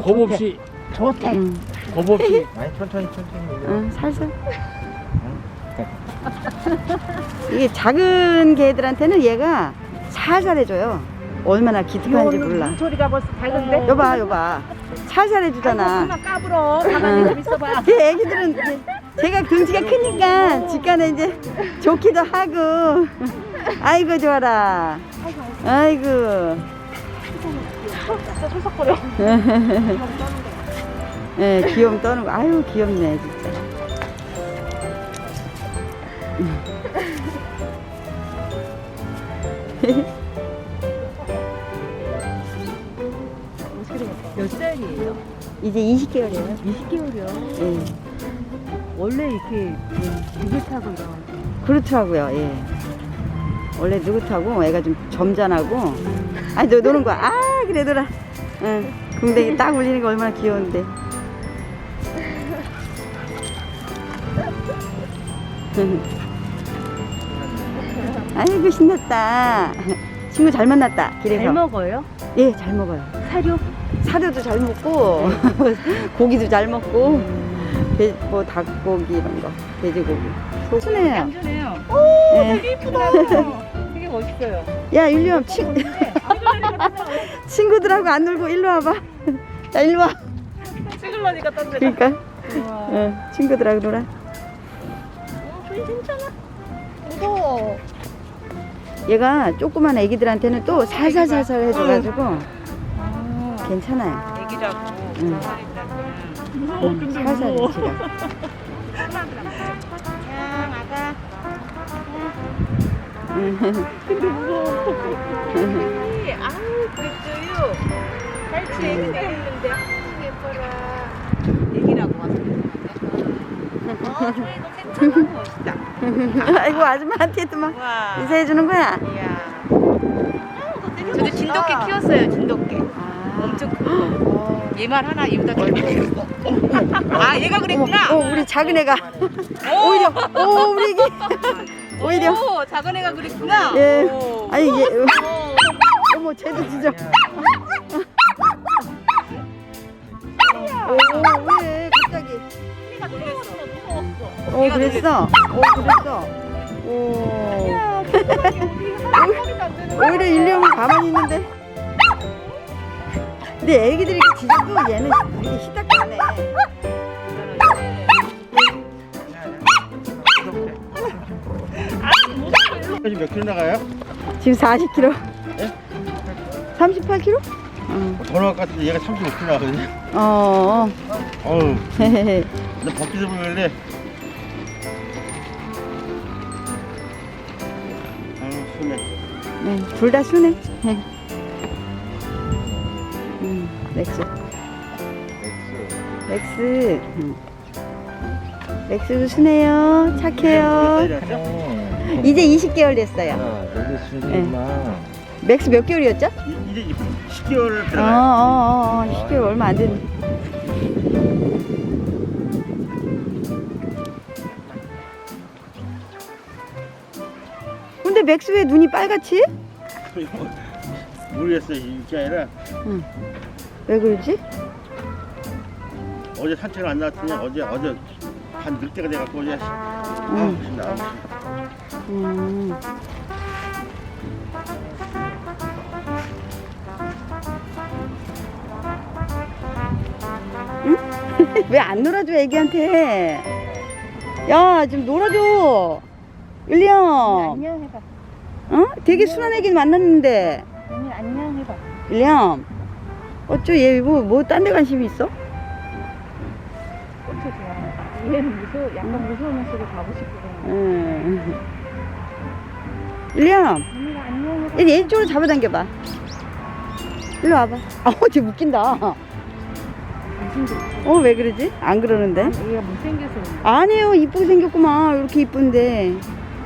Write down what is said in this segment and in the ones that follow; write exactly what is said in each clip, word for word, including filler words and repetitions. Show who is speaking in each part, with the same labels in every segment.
Speaker 1: 겁 없이.
Speaker 2: 좋대.
Speaker 3: 응.
Speaker 1: 겁 없이.
Speaker 4: 아니 천천히 천천히.
Speaker 3: 응, 살살. 이게 작은 개들한테는 얘가 살살 해줘요. 얼마나 기특한지 몰라.
Speaker 2: 소리가 벌써 밝은데?
Speaker 3: 여봐, 여봐. 살살 해주잖아.
Speaker 2: 그만 까불어. 가만히 좀 있어봐.
Speaker 3: 이 애기들은 이제 제가 긍지가 크니까 직관에 이제 좋기도 하고. 아이고 좋아라. 아이고.
Speaker 2: 소속거려.
Speaker 3: 예, 네, 귀여움 떠는 거. 아유 귀엽네 진짜.
Speaker 2: 몇 살이에요?
Speaker 3: 이제 이십 개월이에요.
Speaker 2: 이십 개월이요.
Speaker 3: 예.
Speaker 2: 원래 이렇게 느긋하고 이런.
Speaker 3: 그렇더라고요. 예. 원래 느긋하고 애가 좀 점잖하고. 아니 너 노는 거야. 아 그래 놀아. 응. 궁뎅이 딱 울리는 거 얼마나 귀여운데. 아이고 신났다. 친구 잘 만났다 길에서.
Speaker 2: 잘 먹어요?
Speaker 3: 예, 잘 먹어요.
Speaker 2: 사료?
Speaker 3: 사료도 잘 먹고 고기도 잘 먹고 돼, 뭐 닭고기 이런 거, 돼지고기. 소순해요.
Speaker 2: 얌전해요.
Speaker 3: 오,
Speaker 2: 되게 이쁘다. 되게 멋있어요.
Speaker 3: 야 율리엄 친 친구들하고 안 놀고 일로 와봐. 자 일로 와.
Speaker 2: 찍으려니까 딴 데가.
Speaker 3: 그러니까
Speaker 2: 우와.
Speaker 3: 응, 친구들하고 놀아.
Speaker 2: 어, 저희 괜찮아. 무서워.
Speaker 3: 얘가 조그만 애기들한테는 또 살살살살 해줘가지고
Speaker 2: 아,
Speaker 3: 괜찮아요.
Speaker 2: 애기라고.
Speaker 3: 응.
Speaker 2: 무서워.
Speaker 3: 응,
Speaker 2: 근데
Speaker 3: 살살
Speaker 2: 무서워.
Speaker 3: 지가.
Speaker 2: 근데 무서워. 아우 그랬어요. 갈치 애기 내렸는데 아우 예뻐라. 애기라고 와서 그러는데. 어, 저희 너 괜찮아. 멋있다.
Speaker 3: 아이고 아줌마한테도 막
Speaker 2: 와.
Speaker 3: 인사해주는 거야.
Speaker 2: 이야. 저도 진돗개 키웠어요. 진돗개.
Speaker 3: 아.
Speaker 2: 엄청 큰 거. 얘만 하나 이보다 더 크고. 아 얘가 그랬구나.
Speaker 3: 어, 우리 작은 애가
Speaker 2: 오!
Speaker 3: 오히려 오 우리 애기 오히려
Speaker 2: 오, 작은 애가 그랬구나.
Speaker 3: 예
Speaker 2: 오.
Speaker 3: 아니 얘
Speaker 2: 오.
Speaker 3: 어머 쟤도 진짜 오 왜 갑자기
Speaker 2: 얘가 놀랬어. 무서웠어.
Speaker 3: 어 그랬어 어 그랬어 오
Speaker 2: 야, 세상에 우리 하나도 안 되는 거야.
Speaker 3: 오히려 일령은 가만히 있는데 근데 애기들이 이렇게 짖어도 얘는 되게 시닥하네.
Speaker 4: 지금 몇 킬로 나가요?
Speaker 3: 지금 사십 킬로그램
Speaker 4: 예?
Speaker 3: 삼십팔 킬로그램? 응.
Speaker 4: 번호 같은데 얘가 삼십오 킬로 나거든요.
Speaker 3: 어
Speaker 4: 어우,
Speaker 3: 헤헤헤
Speaker 4: 나 벗기서 보길래. 아유, 순해.
Speaker 3: 네, 둘 다 순해. 네. 음, 렉스. 렉스. 음. 렉스도 순해요. 착해요. 이제 이십 개월 됐어요.
Speaker 4: 놀랬으니까.
Speaker 3: 맥스 몇 개월이었죠?
Speaker 4: 이제 십 개월
Speaker 3: 어,
Speaker 4: 들어가요.
Speaker 3: 어, 어, 어, 이십 개월 얼마 안 됐네. 근데 맥스 왜 눈이 빨갛지?
Speaker 4: 모르겠어요. 이게 아니라
Speaker 3: 응. 왜 그러지?
Speaker 4: 어제 산책을 안 나왔더니 어제 어제 한 늑대가 돼갖고 어제 아, 무슨 나왔어.
Speaker 3: 음. 응? 왜 안 놀아줘 애기한테? 야 좀 놀아줘 윌리엄.
Speaker 2: 안녕 해봐.
Speaker 3: 어? 되게 순한 애기 만났는데
Speaker 2: 언니 안녕 해봐.
Speaker 3: 윌리엄 어쩌 얘 뭐 뭐 딴 데 관심이 있어?
Speaker 2: 엄청 좋아. 얘는 무서워. 약간 무서우면서도 가고 싶고.
Speaker 3: 응. 윌리엄
Speaker 2: 언니가 안녕 해봐.
Speaker 3: 얘 이쪽으로 잡아당겨봐. 일로 와봐. 아쟤 웃긴다. 어 왜 그러지? 안 그러는데?
Speaker 2: 얘가 못생겨서
Speaker 3: 아니에요 이쁘게 생겼구만 이렇게 이쁜데.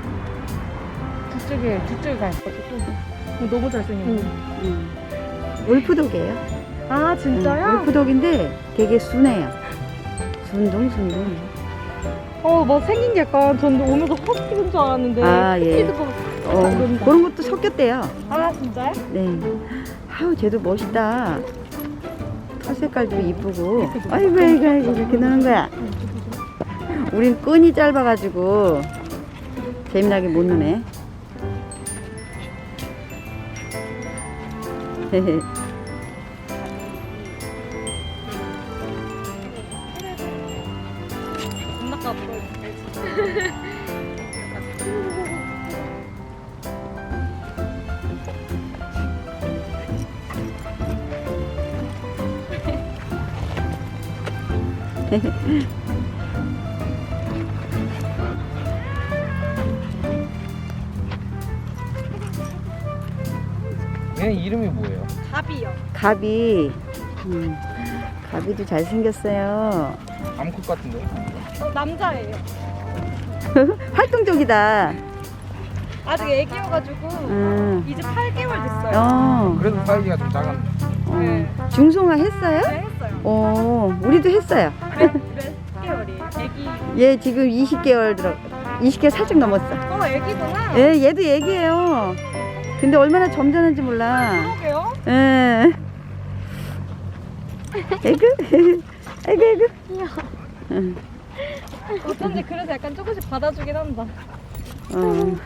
Speaker 2: 저쪽에 저쪽에 갈 거지. 너무 잘생겼네.
Speaker 3: 응. 울프독이에요.
Speaker 2: 아 진짜요?
Speaker 3: 응, 울프독인데 되게 순해요. 순둥 순둥.
Speaker 2: 어, 뭐 생긴 게 약간 전 오면서 허스키인 줄 알았는데.
Speaker 3: 아, 예.
Speaker 2: 허스키도
Speaker 3: 어,
Speaker 2: 그런다.
Speaker 3: 그런 것도 섞였대요.
Speaker 2: 아 진짜요?
Speaker 3: 네. 아우 쟤도 멋있다. 털 색깔도 이쁘고. 아이고 아이고 아이고 이렇게 노는 거야. 우린 끈이 짧아가지고 재미나게 못 노네. 헤헤.
Speaker 1: 존나 보여.
Speaker 5: 얘 이름이 뭐예요?
Speaker 1: 갑이요.
Speaker 3: 가비. 음, 가비도 잘생겼어요.
Speaker 5: 암컷 같은데?
Speaker 1: 어, 남자예요.
Speaker 3: 활동적이다.
Speaker 1: 아직 애기여가지고
Speaker 3: 음.
Speaker 1: 이제 팔 개월 됐어요.
Speaker 3: 어,
Speaker 5: 그래도 사이즈가 좀 작았네.
Speaker 1: 네.
Speaker 3: 어. 중성화 했어요?
Speaker 1: 네, 했어요.
Speaker 3: 어, 우리도 했어요.
Speaker 1: 몇, 몇 개월이에요? 애기.
Speaker 3: 얘 지금 이십 개월 들어, 이십 개월 살짝 넘었어.
Speaker 1: 어, 애기구나.
Speaker 3: 예, 얘도 얘기해요. 근데 얼마나 점잖은지 몰라.
Speaker 1: 그러게요.
Speaker 3: 예. 에그, 에그, 에그. 응.
Speaker 1: 어쩐지 그래서 약간 조금씩 받아주긴 한다.
Speaker 3: 어.